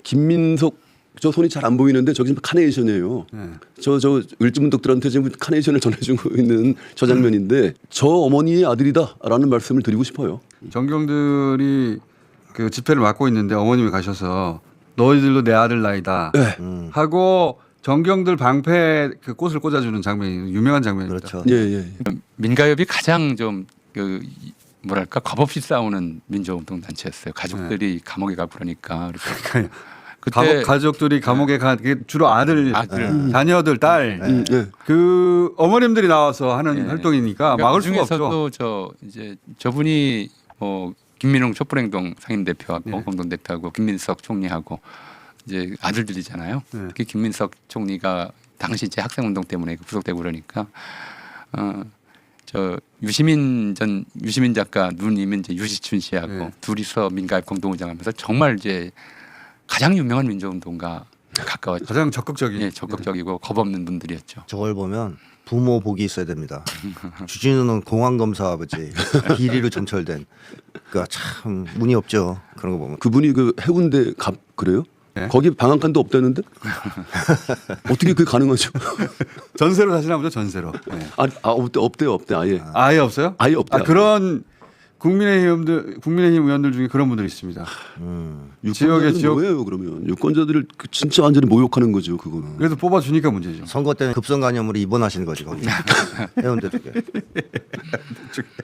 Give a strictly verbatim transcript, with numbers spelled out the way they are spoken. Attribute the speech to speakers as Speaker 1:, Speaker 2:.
Speaker 1: 김민석 저 손이 잘 안 보이는데 저기 지금 카네이션이에요.
Speaker 2: 네.
Speaker 1: 저 저 을지문덕들한테 지금 카네이션을 전해주고 있는 저 장면인데 저 어머니의 아들이다라는 말씀을 드리고 싶어요.
Speaker 2: 정경들이 그 집회를 맡고 있는데 어머님이 가셔서 너희들도 내 아들 나이다
Speaker 1: 네.
Speaker 3: 음.
Speaker 2: 하고 정경들 방패 그 꽃을 꽂아주는 장면이 유명한 장면입니다.
Speaker 3: 그렇죠.
Speaker 1: 예, 예.
Speaker 4: 민가협이 가장 좀 그 뭐랄까 겁없이 싸우는 민주운동 단체였어요. 가족들이 감옥에 가 그러니까. 그래서 그때
Speaker 2: 가족, 가족들이 감옥에 가 그게 주로 아들,
Speaker 4: 아들.
Speaker 2: 자녀들, 딸,
Speaker 1: 음, 예.
Speaker 2: 그 어머님들이 나와서 하는
Speaker 4: 네.
Speaker 2: 활동이니까
Speaker 4: 그러니까
Speaker 2: 막을 수가
Speaker 4: 그중에서도
Speaker 2: 없죠.
Speaker 4: 저 이제 저분이 뭐 김민웅 촛불행동 상임대표하고
Speaker 2: 네.
Speaker 4: 공동대표하고 김민석 총리하고 이제 아들들이잖아요.
Speaker 2: 네.
Speaker 4: 특히 김민석 총리가 당시 이제 학생운동 때문에 구속되고 그러니까 어, 저 유시민 전 유시민 작가 누님은 이제 유시춘 씨하고
Speaker 2: 네.
Speaker 4: 둘이서 민가협 공동운영하면서 정말 이제 가장 유명한 민주운동가 가까웠죠.
Speaker 2: 가장 적극적인.
Speaker 4: 예, 적극적이고 겁없는 분들이었죠.
Speaker 3: 저걸 보면 부모 복이 있어야 됩니다. 주진우는 공안 검사 아버지 비리로 점철된. 그러니까 참 운이 없죠. 그런 거 보면.
Speaker 1: 그분이 그 해운대 갑 그래요?
Speaker 2: 네.
Speaker 1: 거기 방한간도 없다는데 어떻게 그게 가능하죠?
Speaker 2: 전세로 사시나 보죠. 전세로. 네.
Speaker 1: 아, 아 없대 없대요 없대 아예
Speaker 2: 아예 없어요?
Speaker 1: 아예 없대요.
Speaker 2: 아, 그런 국민의힘들 국민의힘 의원들 중에 그런 분들이 있습니다.
Speaker 3: 음.
Speaker 2: 지역에
Speaker 1: 유권자들은
Speaker 2: 지역-
Speaker 1: 뭐예요 그러면 유권자들을 그 진짜 완전히 모욕하는 거죠 그거는.
Speaker 2: 그래서 뽑아주니까 문제죠.
Speaker 3: 선거 때는 급성 간염으로 입원하시는 거지 거기. 해운대 쪽에.